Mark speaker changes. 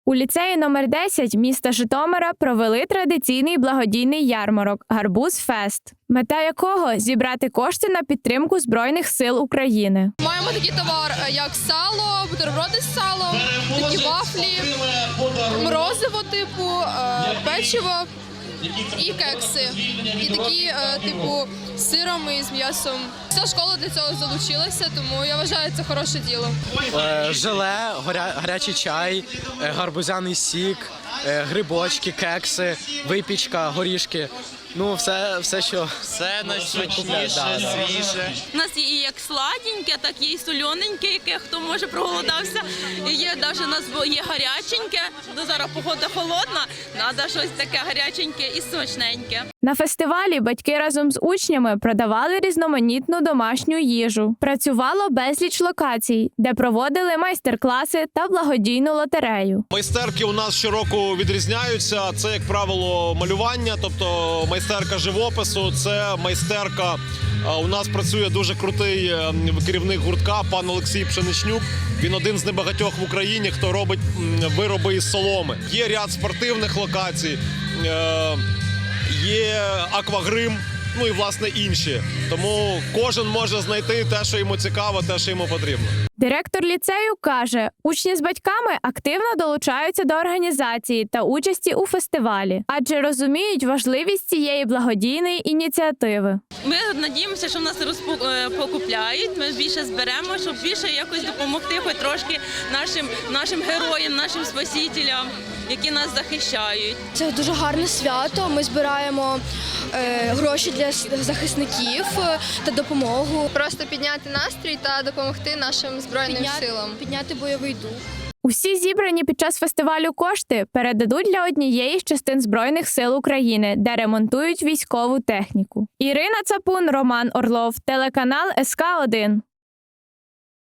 Speaker 1: У ліцеї номер 10 міста Житомира провели традиційний благодійний ярмарок «Гарбуз Фест», мета якого – зібрати кошти на підтримку Збройних сил України.
Speaker 2: Маємо такий товар, як сало, бутерброди з салом, такі вафлі, морозиво типу, печиво і кекси. І такі типу з сиром і з м'ясом. Вся школа для цього залучилася, тому я вважаю, це хороше діло.
Speaker 3: Желе, гарячий чай, гарбузяний сік, грибочки, кекси, випічка, горішки. Ну, все, що...
Speaker 4: Все найсмачніше, свіже.
Speaker 5: У нас є і як сладеньке, так і і солененьке, яке хто може проголодався. І є навіть у нас є гаряченьке, до зараз погода холодна, треба щось таке гаряченьке і смачненьке.
Speaker 1: На фестивалі батьки разом з учнями продавали різноманітну домашню їжу. Працювало безліч локацій, де проводили майстер-класи та благодійну лотерею.
Speaker 6: Майстерки у нас щороку відрізняються. Це, як правило, малювання, тобто майстерка живопису, це майстерка. У нас працює дуже крутий керівник гуртка, пан Олексій Пшеничнюк. Він один з небагатьох в Україні, хто робить вироби із соломи. Є ряд спортивних локацій, є аквагрим, ну і, власне, інші. Тому кожен може знайти те, що йому цікаво, те, що йому потрібно.
Speaker 1: Директор ліцею каже, учні з батьками активно долучаються до організації та участі у фестивалі, адже розуміють важливість цієї благодійної ініціативи.
Speaker 5: Ми надіємося, що в нас покупляють, ми більше зберемо, щоб більше якось допомогти хоч трошки нашим героям, нашим спасителям, які нас захищають.
Speaker 7: Це дуже гарне свято, ми збираємо гроші для захисників та допомогу.
Speaker 2: Просто підняти настрій та допомогти нашим Збройним силам.
Speaker 7: Підняти бойовий дух.
Speaker 1: Усі зібрані під час фестивалю кошти передадуть для однієї з частин Збройних сил України, де ремонтують військову техніку. Ірина Цапун, Роман Орлов, телеканал СК1.